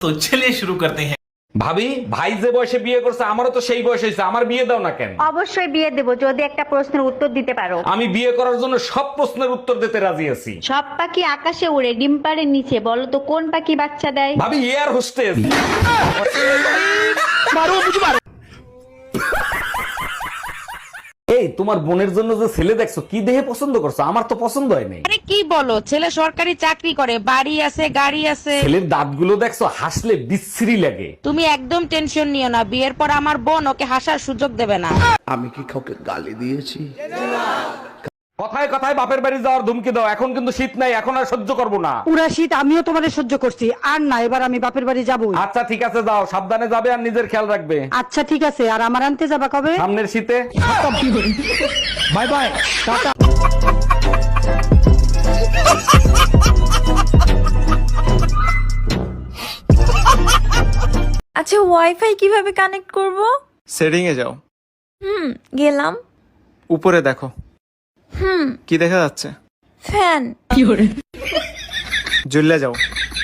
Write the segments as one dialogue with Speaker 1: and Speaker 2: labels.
Speaker 1: तो चलिए शुरू करते हैं।
Speaker 2: ভাবি, ভাই যে বয়সে বিয়ে করছে আমারও তো সেই বয়স হয়েছে, আমার বিয়ে দাও না কেন?
Speaker 3: অবশ্যই বিয়ে দেবো যদি একটা প্রশ্নের উত্তর দিতে পারো।
Speaker 2: আমি বিয়ে করার জন্য সব প্রশ্নের উত্তর দিতে রাজি আছি।
Speaker 3: সব পাখি আকাশে উড়ে ডিম পাড়ের নিচে, বলো তো কোন পাখি বাচ্চা দেয়?
Speaker 2: ভাবি, এয়ার হোস্টেস। এই তোমার বোনের জন্য যে ছেলে দেখছো, কি দেখে পছন্দ করছো? আমার তো পছন্দ হয় নাই।
Speaker 4: আরে কি বলো, ছেলে সরকারি চাকরি করে, বাড়ি আছে, গাড়ি আছে।
Speaker 2: ছেলের দাঁতগুলো দেখছো, হাসলে বিশ্রী লাগে।
Speaker 4: তুমি একদম টেনশন নিও না, বিয়ের পর আমার বোন ওকে হাসার সুযোগ দেবে না।
Speaker 5: আমি কি কাউকে গালি দিয়েছি?
Speaker 2: কথায় কথায় বাপের বাড়ি যাওয়ার ধুমকি দাও। এখন কিন্তু শীত নাই, এখন আর সহ্য করবো না।
Speaker 6: পুরা শীত আমিও তোমাদের সহ্য করছি, আর না এবার আমি বাপের বাড়ি যাবই।
Speaker 2: আচ্ছা ঠিক আছে, যাও, সাবধানে যাবে আর নিজের খেয়াল রাখবে।
Speaker 6: আচ্ছা ঠিক আছে, আর আমার আনতে যাবা কবে?
Speaker 2: সামনের শীতে।
Speaker 6: Bye bye, tata.
Speaker 7: আচ্ছা, ওয়াইফাই কিভাবে কানেক্ট করব?
Speaker 8: সেটিং এ যাও,
Speaker 7: গেলাম।
Speaker 8: উপরে দেখো। কি দেখা যাচ্ছে?
Speaker 7: ফ্যান।
Speaker 8: জ্বলে যাও।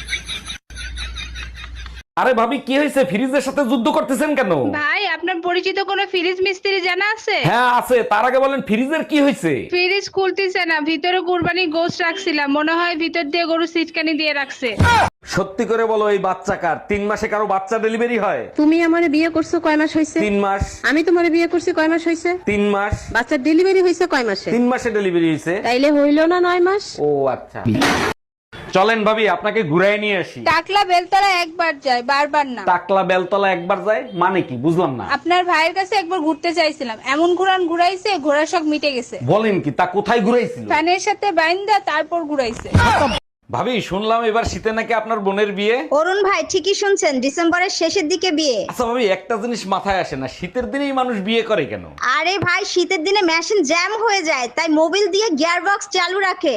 Speaker 2: আরে ভাবি, কি হয়েছে? ফ্রিজের সাথে যুদ্ধ করতেছেন কেন?
Speaker 9: ভাই, আপনার পরিচিত কোনো ফ্রিজ মিস্ত্রি জানা আছে?
Speaker 2: হ্যাঁ আছে, তার আগে বলেন ফ্রিজের কি হয়েছে?
Speaker 9: ফ্রিজ খুলতেছে না, ভিতরে কুরবানি গোশত রাখছিলাম, মনে হয় ভিতর দিয়ে গরু সিটকানি দিয়ে রাখছে।
Speaker 2: সত্যি করে বলো, এই বাচ্চা কার? 3 মাসে কারো বাচ্চা ডেলিভারি হয়?
Speaker 6: তুমি আমারে বিয়ে করছো কয় মাস হয়েছে?
Speaker 2: 3 মাস।
Speaker 6: আমি তোমারে বিয়ে করছি কয় মাস হয়েছে?
Speaker 2: 3 মাস।
Speaker 6: বাচ্চার ডেলিভারি হয়েছে কয় মাসে?
Speaker 2: 3 মাসে ডেলিভারি হয়েছে।
Speaker 6: তাইলে হইলো না 9 মাস?
Speaker 2: ও আচ্ছা। চলেন ভাবি, আপনাকে ঘুরাই নিয়ে আসি।
Speaker 9: টাকলা বেলতলা একবার যায়, বারবার না।
Speaker 2: টাকলা বেলতলা একবার যায় মানে কি? বুঝলাম না।
Speaker 9: আপনার ভাইয়ের কাছে একবার ঘুরতে চাইছিলাম, এমন ঘুরাইছে, ঘোড়ার শখ মিটে গেছে।
Speaker 2: বলেন কি? তা কোথায় ঘুরাইছিল?
Speaker 9: ফ্যানের সাথে বাইন্দা তারপর ঘুরাইছে।
Speaker 2: ভাবি, শুনলাম এবার শীতে নাকি আপনার বোনের বিয়ে।
Speaker 3: অরুণ ভাই ঠিকই শুনছেন, ডিসেম্বরের শেষের দিকে বিয়ে।
Speaker 2: আচ্ছা ভাবি, একটা জিনিস মাথায় আসে না, শীতের দিনেই মানুষ বিয়ে করে কেন?
Speaker 3: আরে ভাই, শীতের দিনে মেশিন জ্যাম হয়ে যায়, তাই মোবিল দিয়ে গিয়ার বক্স চালু রাখে।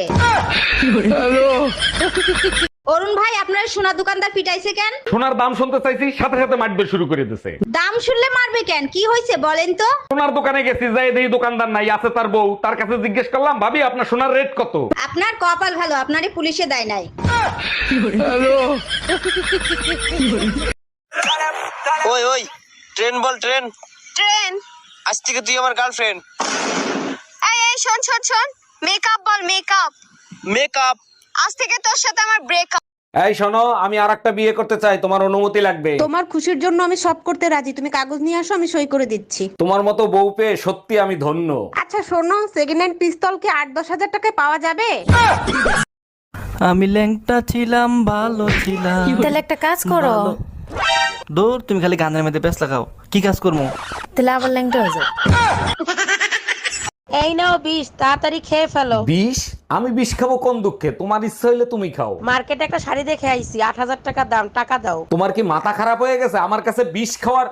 Speaker 3: অরুণ ভাই, আপনার সোনা দোকানদার পিটাইছে কেন?
Speaker 2: সোনার দাম শুনতে চাইছি, সাথে সাথে মারবে শুরু করে দিছে।
Speaker 3: দাম শুনলে মারবে কেন? কি হয়েছে বলেন তো?
Speaker 2: সোনার দোকানে গেছি, যাই দেখি দোকানদার নাই, আছে তার বউ। তার কাছে জিজ্ঞেস করলাম, ভাবি আপনার সোনার রেট কত?
Speaker 3: আপনার কপাল ভালো, আপনারে পুলিশে দেয় নাই।
Speaker 10: ওই ওই, ট্রেন বল, ট্রেন।
Speaker 3: ট্রেন?
Speaker 10: আজ থেকে তুই আমার গার্লফ্রেন্ড।
Speaker 3: এই এই শোন শোন শোন, মেকআপ বল, মেকআপ।
Speaker 10: মেকআপ?
Speaker 3: আজ থেকে তোর সাথে আমার ব্রেকআপ।
Speaker 2: এই শোনো, আমি আরেকটা বিয়ে করতে চাই, তোমার অনুমতি লাগবে।
Speaker 6: তোমার খুশির জন্য আমি সব করতে রাজি, তুমি কাগজ নিয়ে আসো, আমি সই করে দিচ্ছি।
Speaker 2: তোমার মতো বউ পেয়ে সত্যি আমি ধন্য।
Speaker 6: আচ্ছা শোনো, সেকেন্ড হ্যান্ড পিস্তল কি 8-10 হাজার টাকায় পাওয়া যাবে?
Speaker 11: আমি ল্যাংটা ছিলাম, ভালো ছিলাম।
Speaker 7: তাহলে একটা কাজ করো।
Speaker 11: দূর, তুমি খালি গানের মধ্যে ব্যস্ত লাগাও। কি কাজ করবো?
Speaker 7: তাহলে আবার ল্যাংটা হয়ে যাও।
Speaker 4: এই নাও 20, তাড়াতাড়ি খেয়ে ফেলো।
Speaker 2: 20? আমি 20 খাবো কোন দুঃখে? তোমার ইচ্ছা হইলে তুমি খাও।
Speaker 4: মার্কেটে একটা শাড়ি দেখে আইছি, 8,000 টাকা দাম, টাকা দাও।
Speaker 2: তোমার কি মাথা খারাপ হয়ে গেছে? আমার কাছে 20 খাওয়ার।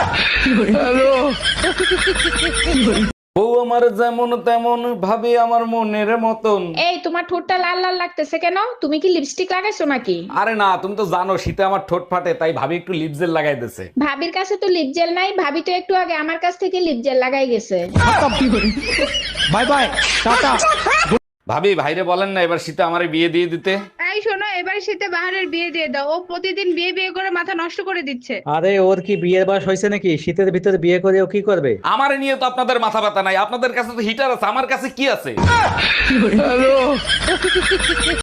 Speaker 2: বউ আমার যেমন তেমন, ভাবে আমার মনের মতন।
Speaker 9: এই, তোমার ঠোঁটটা লাল লাল লাগতেছে কেন? তুমি কি লিপস্টিক লাগাইছো নাকি?
Speaker 2: আরে না, তুমি তো জানো শীতে আমার ঠোঁট ফাটে, তাই ভাবি একটু লিপ জেল লাগাই দিছে।
Speaker 9: ভাবির কাছে তো লিপ জেল নাই, ভাবি তো একটু আগে আমার কাছ থেকে লিপ জেল লাগাই গেছে।
Speaker 11: Bye bye, tata.
Speaker 2: ভাবি, ভাইরে বলেন না এবার শীতে আমারে বিয়ে দিয়ে দিতে।
Speaker 9: এই শোনো, এবার শীতে বাহারের বিয়ে দিয়ে দাও, ও প্রতিদিন বিয়ে বিয়ে করে মাথা নষ্ট করে দিচ্ছে।
Speaker 11: আরে ওর কি বিয়ের বয়স হয়েছে নাকি? শীতের ভিতরে বিয়ে করে ও কি করবে?
Speaker 2: আমারে নিয়ে তো আপনাদের মাথা ব্যথা নাই, আপনাদের কাছে তো হিটার আছে, আমার কাছে কি আছে?